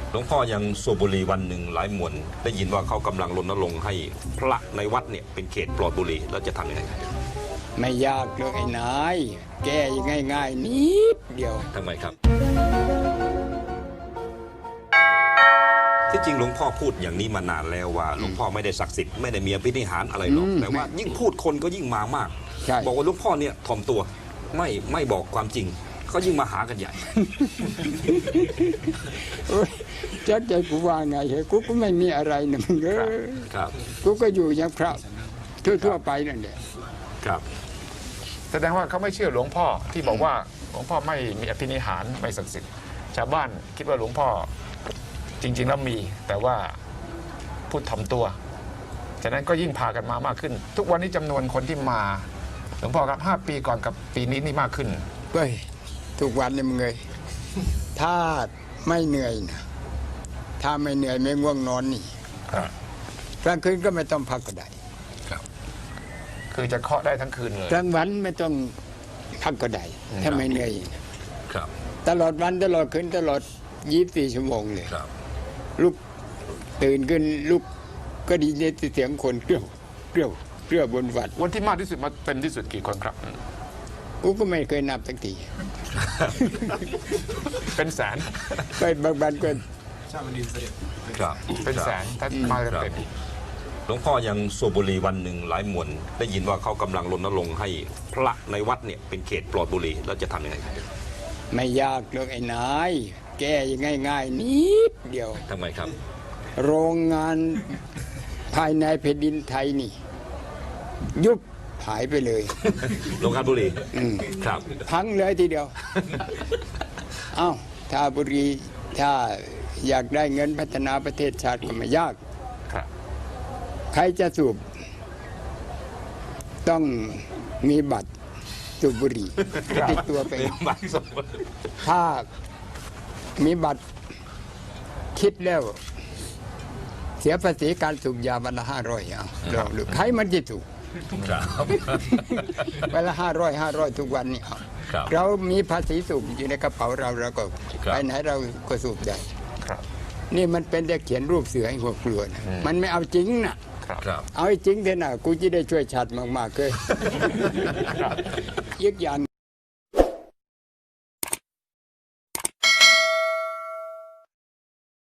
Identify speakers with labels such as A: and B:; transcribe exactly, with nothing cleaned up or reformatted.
A: หลวงพ่อยังสูบบุหรี่วันหนึ่งหลายมวนได้ยินว่าเขากำลังรณรงค์ให้พระในวัดเนี่ยเป็นเขตปลอดบุหรี่แล้วจะทำยังไง
B: ไม่ยากเลยไอ้นายแก้ง่ายๆนิดเดียว
A: ทำไมครับที่จริงหลวงพ่อพูดอย่างนี้มานานแล้วว่าหลวงพ่อไม่ได้ศักดิ์สิทธิ์ไม่ได้มีอภินิหารอะไรหรอกแต่ว่ายิ่งพูดคนก็ยิ่งมามากบอกว่าหลวงพ่อเนี่ยถ่อมตัวไม่ไม่บอกความจริงเขายิ่งมาหากันใหญ่
B: จักใจกูว่าไงเหรอกูก็ไม่มีอะไรนะมึงเออกูก็อยู่อย่างพระทั่วๆไปนั่นแหละ
A: ครับ
C: แสดงว่าเขาไม่เชื่อหลวงพ่อที่บอกว่าหลวงพ่อไม่มีอภินิหารไม่ศักดิ์สิทธิ์ชาวบ้านคิดว่าหลวงพ่อจริงๆแล้วมีแต่ว่าพูดถ่อมตัวฉะนั้นก็ยิ่งพากันมามากขึ้นทุกวันนี้จำนวนคนที่มาหลวงพ่อครับห้าปีก่อนกับปีนี้นี่มากขึ้น
B: เฮ้ยทุกวันเลยมึงเลยถ้าไม่เหนื่อยนะถ้าไม่เหนื่อยไม่ง่วงนอนนี่กลางคืนก็ไม่ต้องพักก็ได้
A: ครับ
C: คือจะเคาะได้ทั้งคืนเลย
B: กลางวันไม่ต้องพักก็ได้ถ้าไม่เหนื่อย
A: ครับ
B: ตลอดวันตลอดคืนตลอดยี่สิบสี่ชั่วโมงเลย
A: ครับ
B: ลุกตื่นขึ้นลุกก็ดีในเสียงคนเกลียวเกลียวเกลียวบนวัด
C: วันที่มากที่สุดมาเต็มที่สุดกี่คนครับ
B: กูก็ไม่เคยนับสักที
C: เป็นแสน
B: ไปบางวันก็
D: ชาบันดินเสด็จ
A: ครับ
C: เป็นแสนถ้ามาเต็ม
A: หลวงพ่อยังสูบบุหรี่วันหนึ่งหลายมวนได้ยินว่าเขากำลังรณรงค์ให้พระในวัดเนี่ยเป็นเขตปลอดบุหรี่แล้วจะทำยังไง
B: ไม่ยากเลยไอ้นายแก้ง่ายๆนิดเดียว
A: ทำไมครับ
B: โรงงานภายในแผ่นดินไทยนี่ยุบหายไปเลย
A: โรงงานบุหรี่ครับ
B: พังเลยทีเดียวเอ้าถ้าบุหรี่ถ้าอยากได้เงินพัฒนาประเทศชาติก็ไม่ยากใครจะสูบต้องมีบัตรสูบบุหรี่ติดตัวไปถ้ามีบัตรคิดแล้วเสียภาษีการสูบยาวันละห้าร้อยเอาลองดูใครมันจะถูกวันละห้าร้อยห้าร้อยทุกวันนี่เรามีภาษีสูบอยู่ในกระเป๋าเราเราก็ไปไหนเราก็สูบได้นี่มันเป็นแต่เขียนรูปเสือให้หัวกลัวนะมันไม่เอาจริงนะเอาจริงเถอะนะกูจะได้ช่วยชาติมากๆเลยอีกอย่าง